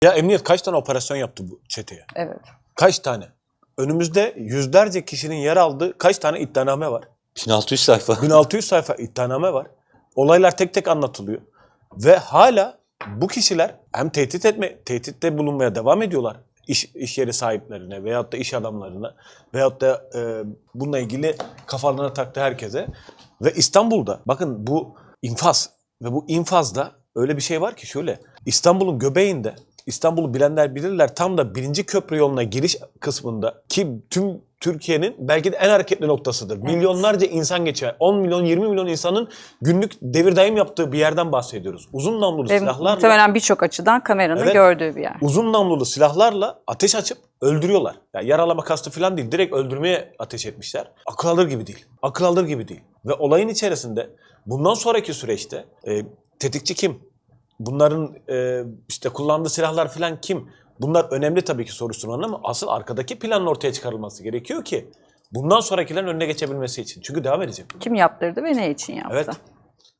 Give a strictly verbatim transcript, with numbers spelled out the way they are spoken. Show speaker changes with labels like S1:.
S1: Ya emniyet kaç tane operasyon yaptı bu çeteye?
S2: Evet.
S1: Kaç tane? Önümüzde yüzlerce kişinin yer aldığı kaç tane iddianame var?
S3: bin altı yüz sayfa.
S1: bin altı yüz sayfa iddianame var. Olaylar tek tek anlatılıyor. Ve hala bu kişiler hem tehdit etme, tehditte bulunmaya devam ediyorlar. İş, iş yeri sahiplerine veyahut da iş adamlarına veyahut da e, bununla ilgili kafalarına taktı herkese. Ve İstanbul'da bakın bu infaz ve bu infazda öyle bir şey var ki şöyle İstanbul'un göbeğinde, İstanbul'u bilenler bilirler, tam da birinci köprü yoluna giriş kısmında ki tüm Türkiye'nin belki de en hareketli noktasıdır. Evet. Milyonlarca insan geçer. on milyon yirmi milyon insanın günlük devir daim yaptığı bir yerden bahsediyoruz. Uzun namlulu
S2: Ve
S1: silahlarla.
S2: muhtemelen birçok açıdan kameranın
S1: Evet,
S2: gördüğü bir yer.
S1: Uzun namlulu silahlarla ateş açıp öldürüyorlar. Yani yaralama kastı falan değil. Direkt öldürmeye ateş etmişler. Akıl alır gibi değil. Akıl alır gibi değil. Ve olayın içerisinde bundan sonraki süreçte e, tetikçi kim? Bunların e, işte kullandığı silahlar falan kim? Bunlar önemli tabii ki soruşturmanın ama asıl arkadaki planın ortaya çıkarılması gerekiyor ki bundan sonrakilerin önüne geçebilmesi için. Çünkü devam edecek.
S2: Kim yaptırdı ve ne için yaptı?
S1: Evet.